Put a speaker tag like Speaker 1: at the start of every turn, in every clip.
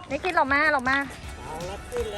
Speaker 1: นี่คิดเรามา
Speaker 2: เอาละขึ้นแล้ว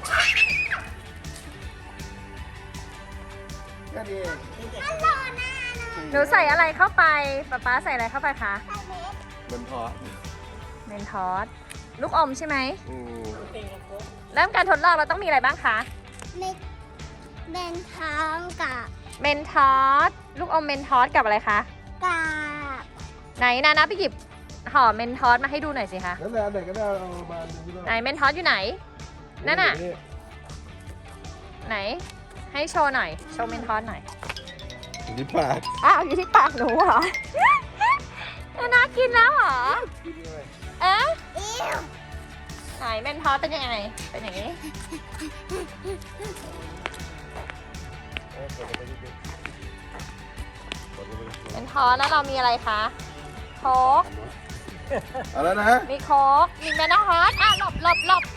Speaker 3: ก็ดี
Speaker 1: หนูใส่อะไรเข้าไปป๊าใส่อะไรเข้าไปคะ
Speaker 3: มันพอ
Speaker 1: เมนทอสลูกอมใช่ไหม
Speaker 3: อืม
Speaker 1: เริ่มการทดลองเราต้องมีอะไรบ้างคะ
Speaker 4: เป็นท้องกับ
Speaker 1: เมนทอสลูกอมเมนทอสกับอะไรคะ
Speaker 4: กาบ
Speaker 1: ไหนนะไปหยิบห่อเมนทอสมาให้ดูหน่อยสิคะ
Speaker 3: นั่นแหละไหนก็ได้เอามาดู
Speaker 1: ไหนเมนทอสอยู่ไหนนั่นน่ะไหนให้โชว์หน่อยโชว์เมนทอสหน่อย
Speaker 3: อยู่ที่ปาก
Speaker 1: อ้าวอยู่ที่ปากหนูเหรอ น่ากินแล้วเหรอ
Speaker 3: กินเลย
Speaker 1: เอ๊ะ
Speaker 4: อิ้ว
Speaker 1: ไหนเมนทอสเป็นยังไงเป็นอย่างนี้
Speaker 3: กดลงไปนิดนึงกดลงไปนิดนึง
Speaker 1: เมนทอสแล้วเรามีอะไรคะโค้ก
Speaker 3: เอาแล้วนะ
Speaker 1: มีโค้กมีเมนทอสอ่ะหลบ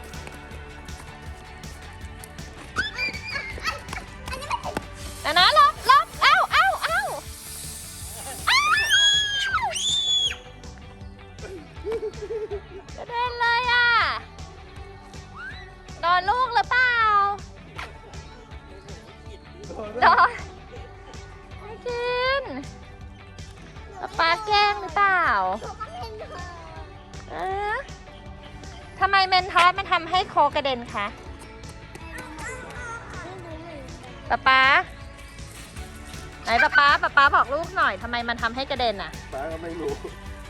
Speaker 1: นะหลบเอ้ากระเด็นเลยอ่ะโดนลูกหรือเปล่าโดนไม่กินป๊าแกล้งหรือเปล่า
Speaker 4: ถูกก็เป็นเธอ
Speaker 1: เอ๊ะทำไมเมนทอสมันทำให้โคกระเด็นคะป๊าไหนป๊าบอกลูกหน่อยทำไมมันทำให้กระเด็นอ่ะ
Speaker 3: ป้าก็ไม่รู้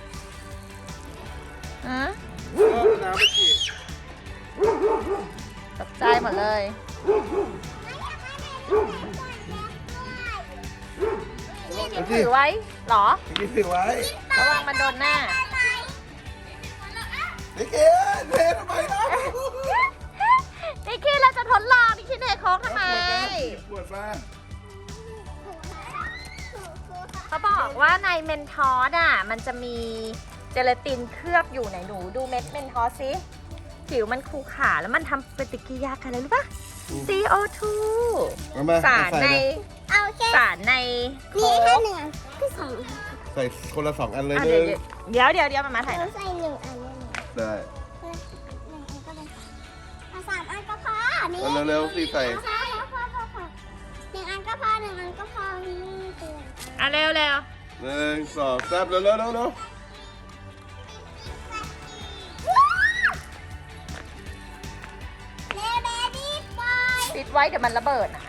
Speaker 1: อืม
Speaker 3: น้ำไม่ฉีด
Speaker 1: ตกใจหมดเลยนี่ถือไว้เหรอ
Speaker 3: กินถือไว้
Speaker 1: ระวังมันโดนหน้า
Speaker 3: นี่เกดเททำไมนะ
Speaker 1: นิกกี้เราจะทดลองนิกกี้เทโค้กทำไม
Speaker 3: ปวดมา
Speaker 1: เขาบอกว่าในเมนทอสอ่ะมันจะมีเจลาตินเคลือบอยู่ไหนหนูดูเม็ดเมนทอสสิผิวมันคูขาแล้วมันทำปฏิกิริยากันอะไรรู้ปะ CO2 สารใน
Speaker 4: เอาแค่
Speaker 1: สารในโค้
Speaker 4: นี่แค่
Speaker 1: ก
Speaker 4: หนึ่งอันที่สองอัน
Speaker 3: ใส่คนละ2 อันเลย
Speaker 1: อ่ะ
Speaker 3: นึง
Speaker 1: เดี๋ยวมาถ่ายห
Speaker 4: เรา
Speaker 1: น่อย
Speaker 4: ใส่หนึ่งอันเลย
Speaker 3: ได้
Speaker 4: หนึ่งอันก็ได้เอาสามอันก็พอนี่
Speaker 3: เอาเร็วๆสิใส่
Speaker 4: พอหนึ่งอันก็พอหนึ่งอันก็พอนี่เตือน
Speaker 1: อ่ะเร็ว
Speaker 3: 1 2 3เร็วเร็ว
Speaker 4: เลเบบี้บอย
Speaker 1: ปิดไว้เดี๋ยวมันระเบิดอ่ะ